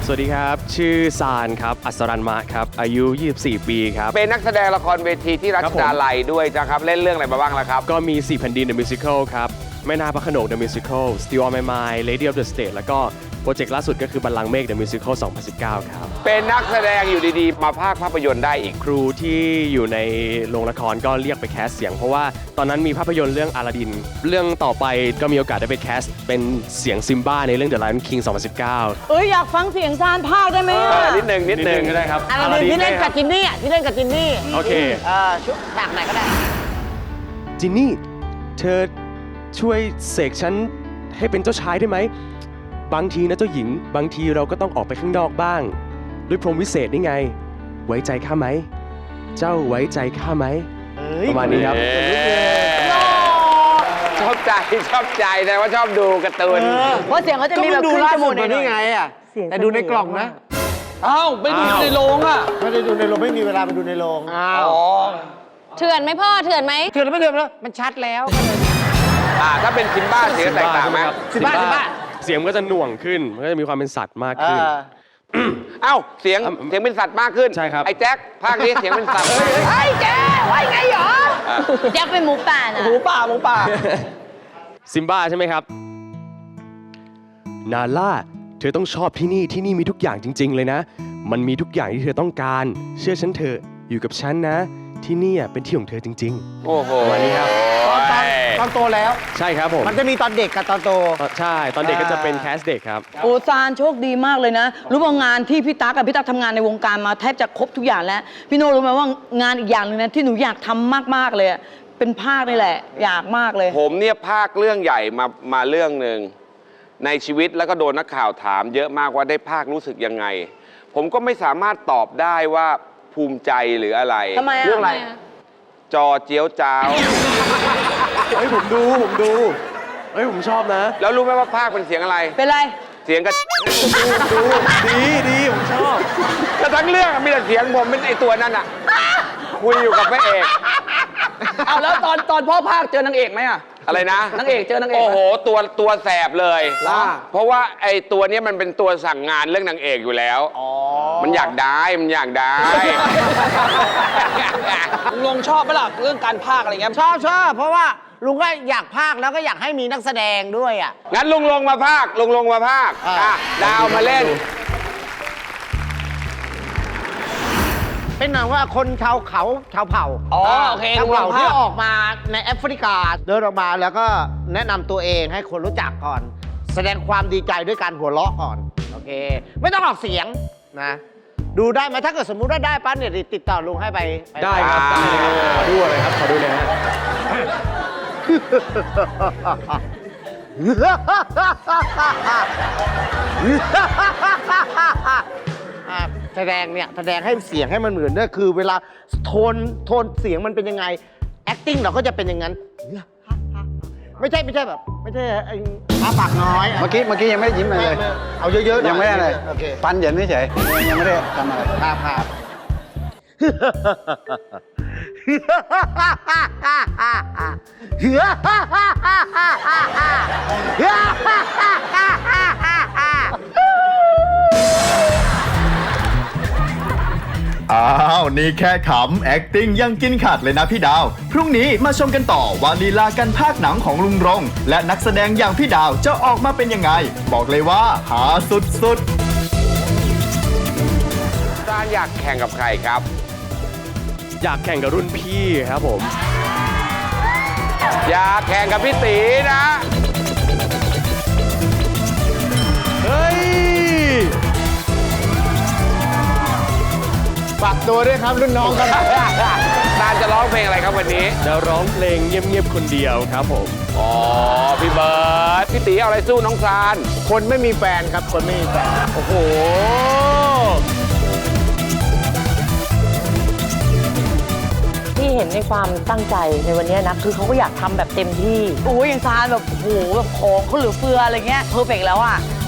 วัสดีครับชื่อซานครับอัศรันมะครับอายุ24ปีครับเป็นนักแสดงละครเวทีที่รัชดาลัยด้วยนะครับเล่นเรื่องอะไรมาบ้างล่ะครับก็มี4แผ่นดิน The Musical ครับแม่นาคพระโขนง The Musical Still on My Mind Lady of the Stage แล้วก็โปรเจกต์ล่าสุดก็คือบัลลังก์เมฆ The Musical 2019 ครับเป็นนักแสดงอยู่ดีๆมาภาพยนตร์ได้อีกครูที่อยู่ในโรงละครก็เรียกไปแคสเสียงเพราะว่าตอนนั้นมีภาพยนตร์เรื่องอลาดินเรื่องต่อไปก็มีโอกาสได้ไปแคสเป็นเสียงซิมบ้าในเรื่อง The Lion King 2019 อยากฟังเสียงซานภาคได้ไหมนิดนึงก็ได้ครับอลาดินที่เล่นกับจินนี่ที่เล่นกับจินนี่โอเคชุดฉากไหนก็ได้จินนี่เธอช่วยเสกฉันให้เป็นเจ้าชายได้ไหมบางทีนะเจ้าหญิงบางทีเราก็ต้องออกไปข้างนอกบ้างด้วยพรหมวิเศษนี่ไงไว้ใจข้าไหมเจ้าไว้ใจข้าไหมประมาณนี้ครับชอบใจแต่ว่าชอบดูการ์ตูนเพราะเสียงเขาจะมีแบบขึ้นจมูกนี่ไงอ่ะแต่ดูในกล่องนะไปดูในโรงอ่ะไม่ได้ดูในโรงไม่มีเวลาไปดูในโรงเถื่อนไหมพ่อเถื่อนไหมเถื่อนไม่เถื่อนแล้วมันชัดแล้วถ้าเป็นซิมบ้าเสียงแตกต่างไหมซิมบ้าเสียงก็จะหน่วงขึ้นมันก็จะมีความเป็นสัตว์มากขึ้นเสียงเป็นสัตว์มากขึ้นใช่ครับไอ้แจ็คภาคนี้เสียงเป็นสัตว์ไอ้แกไว้ไงหรอแจ็คเป็นหมูป่านะหมูป่าซิมบ้าใช่ไหมครับนาล่าเธอต้องชอบที่นี่มีทุกอย่างจริงๆเลยนะมันมีทุกอย่างที่เธอต้องการเชื่อฉันเถอะอยู่กับฉันนะที่นี่เป็นที่ของเธอจริงๆโอ้โหวันนี้ครับตอนโตแล้วใช่ครับผมมันจะมีตอนเด็กกับตอนโตใช่ตอนเด็กก็จะเป็นแคสเด็กครับซานโชคดีมากเลยนะรู้ว่างานที่พี่ตั๊กกับพี่ตั๊กทำงานในวงการมาแทบจะครบทุกอย่างแล้วพี่โน่รู้ไหมว่างานอีกอย่างหนึ่งนะที่หนูอยากทำมากๆเลยเป็นภาคนี่แหละอยากมากเลยผมเนี่ยภาคเรื่องใหญ่มาเรื่องหนึ่งในชีวิตแล้วก็โดนนักข่าวถามเยอะมากว่าได้ภาครู้สึกยังไงผมก็ไม่สามารถตอบได้ว่าภูมิใจหรืออะไรเรื่องอะไรจอเจี๊ยวจ้าวผมดูผมชอบนะแล้วรู้ไหมว่าภาคเป็นเสียงอะไรเป็นไรเสียงก็ดูดีผมชอบแต่ทั้งเรื่องมีแต่เสียงผมเป็นไอตัวนั้นอ่ะคุยอยู่กับพระเอกแล้วตอนพ่อภาคเจอนางเอกไหมอะไรนะนางเอกเจอนางเอกโอ้โหตัวแสบเลยเพราะว่าไอตัวนี้มันเป็นตัวสั่งงานเรื่องนางเอกอยู่แล้วมันอยากได้ลุงชอบไหมล่ะเรื่องการภาคอะไรเงี้ยชอบเพราะว่าลุงก็อยากภาคแล้วก็อยากให้มีนักแสดงด้วยงั้นลุงลงมาภาคดาวมาเล่นเป็นหนังว่าคนชาวเผ่าโอเคชาวเผ่าที่ออกมาในแอฟริกาเดินออกมาแล้วก็แนะนำตัวเองให้คนรู้จักก่อน แสดงความดีใจด้วยการหัวเราะก่อนโอเคไม่ต้องออกเสียงนะดูได้ไหมถ้าเกิดสมมุติว่าได้ปั๊บเนี่ยติดต่อลุงให้ไปได้ครับได้ขอดูเลยครับขอดูเลยฮะแสดงให้เสียงให้มันเหมือนด้วยคือเวลาโทนเสียงมันเป็นยังไง acting เราก็จะเป็นอย่างนั้นไม่ใช่แบบไม่ใช่ปากน้อยเมื่อกี้ยังไม่ได้ยิ้มเลยเอาเยอะๆยังไม่ได้เลยฟันเหยินเฉยยังไม่ได้ทำอะไรภาพนี่แค่ขำ acting ยังกินขาดเลยนะพี่ดาวพรุ่งนี้มาชมกันต่อว่าลีลาการพากย์หนังของลุงรงและนักแสดงอย่างพี่ดาวจะออกมาเป็นยังไงบอกเลยว่าหาสุดๆซานอยากแข่งกับใครครับอยากแข่งกับรุ่นพี่ครับผมอยากแข่งกับพี่ตีนะเฮ้ยฝากตัวด้วยครับรุ่นน้องครับซานจะร้องเพลงอะไรครับวันนี้จะร้องเพลงเงียบๆคนเดียวครับผมพี่เบิร์ดพี่ตีเอาอะไรสู้น้องซานคนไม่มีแฟนครับคนไม่มีแฟนโอ้โหที่เห็นในความตั้งใจในวันนี้นะคือเขาก็อยากทำแบบเต็มที่อย่างซานแบบโอ้โหแบบของเขาเหลือเฟืออะไรเงี้ยเพอร์เฟกต์แล้ว